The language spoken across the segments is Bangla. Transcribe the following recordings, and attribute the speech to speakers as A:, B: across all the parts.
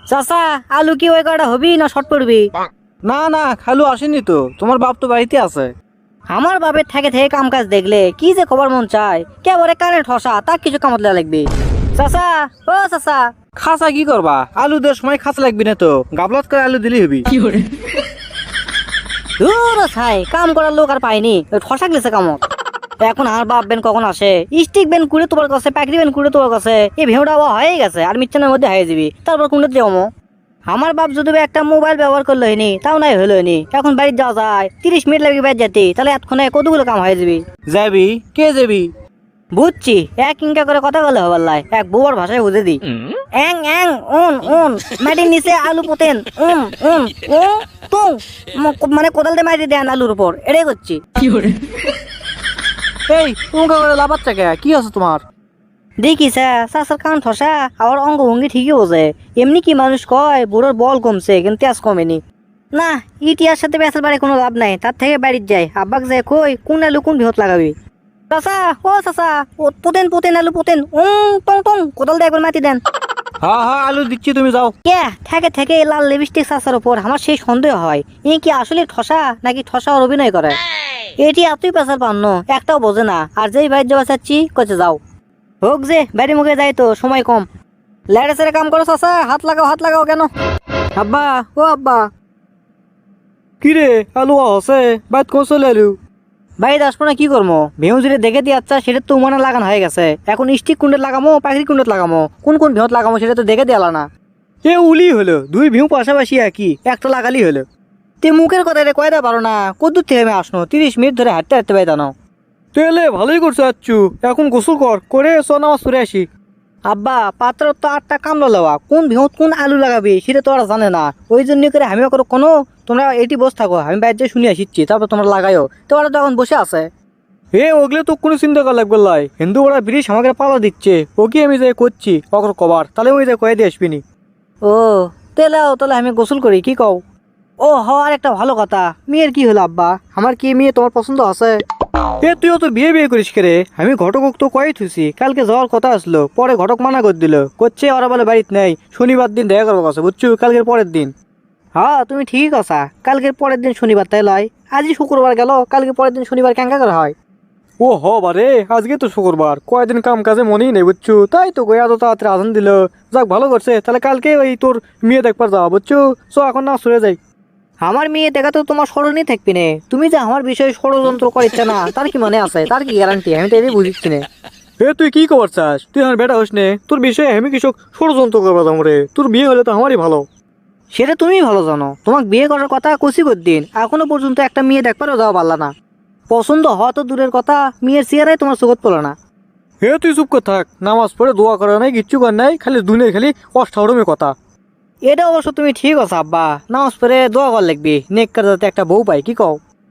A: চাচা আলু কি ওই কটা হবি না শর্ট পড়বি?
B: না না, খালু আসেনি তো, তোমার বাপ তো বাড়িতে আছে।
A: আমার বাপের থেকে থেকে কাম কাজ দেখলে কি যে খবর মন চায়, কেবলে কানে ঠসা তার কিছু কামত লাগবে। চাচা ও চাচা,
B: খাসা কি করবা? আলু দেওয়ার সময় খাসা লাগবি না তো, গাবলাত করে আলু দিলি হবি।
A: দূর ছাই, কাম করার লোক আর পাইনি, ঠসা গেছে কামত। এখন আর বাপ বেন কখন আসে? স্টিক বেন কুড়ে তোমার কাছে, প্যাকরি বেন কুড়ে তোমার কাছে, এই ভেউটা হয়ে গেছে আর মিচ্ছানের মধ্যে হয়ে যাবি, তারপর কোনটা যাবো? আমার বাপ যদি একটা মোবাইল ব্যবহার করলো হয়নি, তাও নাই হলো হয়নি। এখন বাড়িতে যাওয়া যায়, 30 মিনিট লাগবে বাইরে যেতে, তাহলে এতক্ষণে কতগুলো কাম হয়ে যাবি।
B: যাবি? কে যাবি?
A: বুঝছি, এক ইনকা করে কথা বলে হবার লাই, এক বুয়ার ভাষায় বুঝে দি। এং এং উন উন, মাটির নিচে আলু পোতেন, উন উন উ তুং, মানে কোদাল দিয়ে মাটি দেন আলুর উপর, এটাই করছি।
B: এই তোমাকে করে লাভাচ্ছে কে? কি আছে তোমার?
A: দেখি চাচার কান ঠসা, আমার অঙ্গভঙ্গি ঠিকই বোঝে। এমনি কি মানুষ কয় বুড়োর বল কমছে কিন্তু তেজ কমেনি। না, ইটিয়ার সাথে বেসার বাড়ি কোনো লাভ নাই, তার থেকে বাড়ির যাই। আব্বাক যায় কই কোন আলু কোন বিহত লাগাবি। চাচা ও চাচা, পোতেন পোতেন আলু পোতেন, টং টং, কোদাল দিয়ে একবার মাটি দেন।
B: হ্যাঁ হ্যাঁ, আলু দিচ্ছি, তুমি যাও।
A: কে থেকে থেকে এই লাল লিপস্টিক চাচার উপর আমার সেই সন্দেহ হয়, ই কি আসলে ঠসা নাকি ঠসার অভিনয় করে। এটি এতই পেশার পান্ন, একটাও বোঝে না। আর যেই বাইর যাওয়া চাচ্ছি কচে যাও হোক, যে বাড়ি মুখে যাই তো, সময় কম। লেড়ে সেরে কাম করো চাচা, হাত লাগাও কেন? আব্বা ও আব্বা।
B: কি রে, আলু আছে বাইত কোন চলে আলু?
A: বাড়িতে আসবো না কি করবো? ভেউ যদি দেখে দিয়ে আচ্ছা, সেটা তো উমানে লাগানো হয়ে গেছে। এখন স্টিক কুন্ডে লাগামো, পাখির কুন্ডে লাগামো, কোন কোন ভিহত লাগামো সেটা তো দেখে দিয়ে না।
B: এ উলি হলো, দুই ভিউ পাশাপাশি একই, একটা লাগালি হলো।
A: তে মুখের কথা এটা কয়টা পারো না? কদ্দূর থেকে আমি আসনো, 30 মিনিট ধরে হাঁটতে হাঁটতে পাই জানো।
B: তেলে ভালোই করছো আচ্ছু, এখন গোসল করে নামাজ পড়ে আসি।
A: আব্বা পাত্র তো 8টা কামলা লওয়া, কোন ভিহত কোন আলু লাগাবি সেটা তো ওরা জানে না। ওই জন্য করে আমি করো কোনো, তোমরা এটি বসে থাকো, আমি বাইরে যে শুনে আসিচ্ছি, তারপর তোমরা লাগাইও। তো ওরা তো এখন বসে আছে।
B: ওগুলো তো কোনো চিন্তা করা লাগবে লাই, হিন্দু ওরা ব্রিটিশ আমাকে পালা দিচ্ছে, ও কি আমি যাই করছি অকর কবার, তাহলে ওই যাই কয়ে দিয়ে আসবিনি।
A: ও তাহলে আমি গোসল করি, কি কও? ও আর একটা ভালো কথা, মেয়ের কি হলো আব্বা? আমার কি মেয়ে তোমার পছন্দ আছে?
B: তুইও তো বিয়ে করিস কে রে? আমি ঘটক তো কয়ে থুছি, কালকে যাওয়ার কথা আসলো, পরে ঘটক মানা করে দিল, করছে ওরা বলে বাড়িতে নেই, শনিবার দিন দেখা করবো কথা, বুঝছো, কালকের পরের দিন।
A: হ্যাঁ তুমি ঠিক আছা, কালকের পরের দিন শনিবার তাই লয়? আজই শুক্রবার গেল, কালকে পরের দিন শনিবার কেঙ্কা করা হয়?
B: ও বারে, আজকে তো শুক্রবার, কয়েকদিন কাম কাজে মনেই নেই, বুঝছো, তাই তো এত তাড়াতাড়ি আজান দিল। যাক ভালো করছে, তাহলে কালকে ওই তোর মেয়ে দেখবার যাওয়া, বুঝছো। এখন না সরে যাই।
A: আমার মেয়ে দেখা তো তোমার স্মরণই থাকবি না। তুমি যে আমার বিষয়ে ষড়যন্ত্র করিচ্ছে না, তার কি মানে আছে? তার কি গ্যারান্টি? আমি তো এটাই বুঝিচ্ছি না।
B: তুই কি খবর চাস? তুই আমার বেটা হোস নে, তোর বিষয়ে আমি কৃষক ষড়যন্ত্র করবো রে? তোর বিয়ে হলে তো আমারই ভালো।
A: সেটা তুমি ভালো জানো, তোমাকে বিয়ে করার কথা কষি দিন, এখনো পর্যন্ত একটা মেয়ে দেখবারও যাওয়া পারলা না। পছন্দ হওয়া তো দূরের কথা, মেয়ের চেয়ারাই তোমার চোখত পড়লো না।
B: তুই চুপ করে থাক, নামাজ পড়ে দোয়া করা নাই, কিচ্ছু কর নাই, খালি দুনিয়া খালি অষ্টাউরমের কথা।
A: এটা অবশ্য তুমি ঠিক আছে আব্বা, নামাজ পড়ে দোয়া কর লাগবি, নেককার যাতে একটা বউ পাই, কি কও?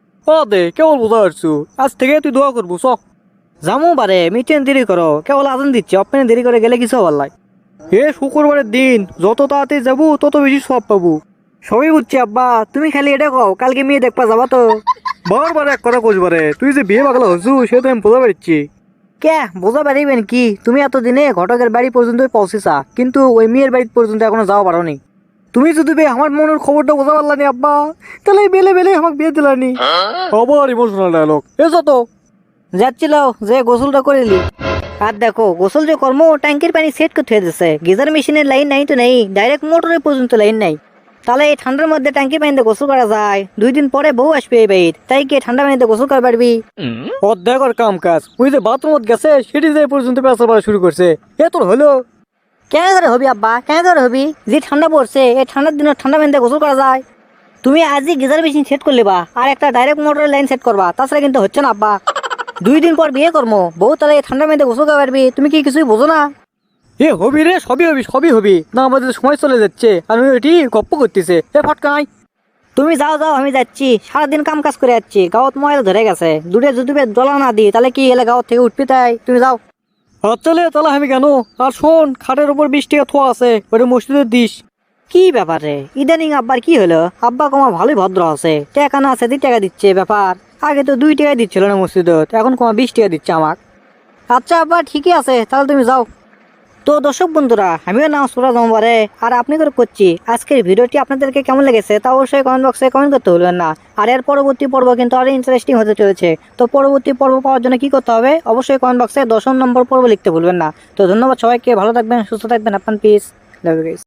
B: দে কেবল বোঝা পারছু, আজ থেকে তুই দোয়া করবো চ।
A: জামু পারে, মিটেন দেরি করো, কেবল আজান দিচ্ছে, অপেনে দেরি করে গেলে কিছু হবার লাই।
B: শুক্রবারের দিন যত তাড়াতাড়ি যাবো তত বেশি সব পাবো।
A: সবই বুঝছি আব্বা, তুমি খালি এটা কও কালকে মেয়ে দেখবা যাবা তো?
B: বারবার এক কথা কইবারে, তুই যে বিয়ে পাগলা হচ্ছু সে তো আমি বোঝা পারছি।
A: কে বোঝা পারিবেন কি? তুমি এতদিনে ঘটকের বাড়ি পর্যন্ত পৌঁছেছা, কিন্তু ওই মেয়ের বাড়ি পর্যন্ত এখনো যাওয়া পারোনি।
B: তুমি যদি আমার মনের খবরটা বোঝা পারলানি আব্বা, তাহলে বেলে বেলে আমাকে বিয়ে দিলানি। আবার ইমোশনাল ডায়লগ, এসো তো।
A: যাচ্ছিল যে গোসলটা করিলি। আর দেখো গোসল যে কর্ম, ট্যাঙ্কির পানি সেট করতে হয়ে যাচ্ছে, গিজার মেশিনের লাইন নাই তো নেই, ডাইরেক্ট মোটরের পর্যন্ত লাইন নাই। তাহলে এই ঠান্ডার মধ্যে ট্যাঙ্কির পানিতে গোসল করা যায়? 2 দিন পরে বউ আসবে এই বাইর, তাই কি ঠান্ডা পানিতে গোসল করে পারবি?
B: অর্ধেকর কাম কাজ ওই যে বাথরুমত গেছে সেটি যে পর্যন্ত পেঁচা পড়া শুরু করছে, এ তোর হলো?
A: কেন করে হবি আব্বা, কেন করে হবি? যে ঠান্ডা পড়ছে, এই ঠান্ডার দিনে ঠান্ডা পানিতে গোসল করা যায়? তুমি আজই গিজার মেশিন সেট করলে বা, আর একটা ডাইরেক্ট মোটরের লাইন সেট করবা, তাছাড়া কিন্তু হচ্ছে না আব্বা। 2 দিন পর বিয়ে করবো, বউ তাহলে এই ঠান্ডা পানিতে গোসল করে পারবি? তুমি কি কিছুই বোঝো না?
B: হবি রে, সবই হবি না, আমাদের সময় চলে যাচ্ছে আর এটি গপ্প করতেছে, ফটকাই।
A: তুমি যাও আমি যাচ্ছি, সারাদিন কাম কাজ করে যাচ্ছি, গাঁৱত ময়লা ধরে গেছে, দূরে যদি দলা না দিই তাহলে কি এলে গাঁৱত থেকে উঠবি? তাই তুমি যাও।
B: তাহলে আমি কেন? আর শোন, খাটের উপর 20 টাকা থোয়া আছে, ওটা মসজিদে দিস।
A: কি ব্যাপার রে, ইদানিং আব্বার কি হলো? আব্বা কমা ভালোই ভদ্র আছে, টাকা না আছে 2 টাকা দিচ্ছে ব্যাপার। আগে তো 2 টাকা দিচ্ছিল না মসজিদত, এখন কমা 20 টাকা দিচ্ছে আমাক। আচ্ছা আব্বা ঠিকই আছে, তাহলে তুমি যাও। তো দর্শক বন্ধুরা, আমিও নামাজ পড়া যাবো পারে আর আপনি করে করছি। আজকের ভিডিওটি আপনাদেরকে কেমন লেগেছে তা অবশ্যই কমেন্ট বক্সে কমেন্ট করতে ভুলবেন না। আর এর পরবর্তী পর্ব কিন্তু আরো ইন্টারেস্টিং হতে চলেছে। তো পরবর্তী পর্ব পাওয়ার জন্য কি করতে হবে, অবশ্যই কমেন্ট বক্সে 10 নম্বর পর্ব লিখতে ভুলবেন না। তো ধন্যবাদ সবাইকে, ভালো থাকবেন, সুস্থ থাকবেন, আপনার পিস, লাভ ইউ গাইস।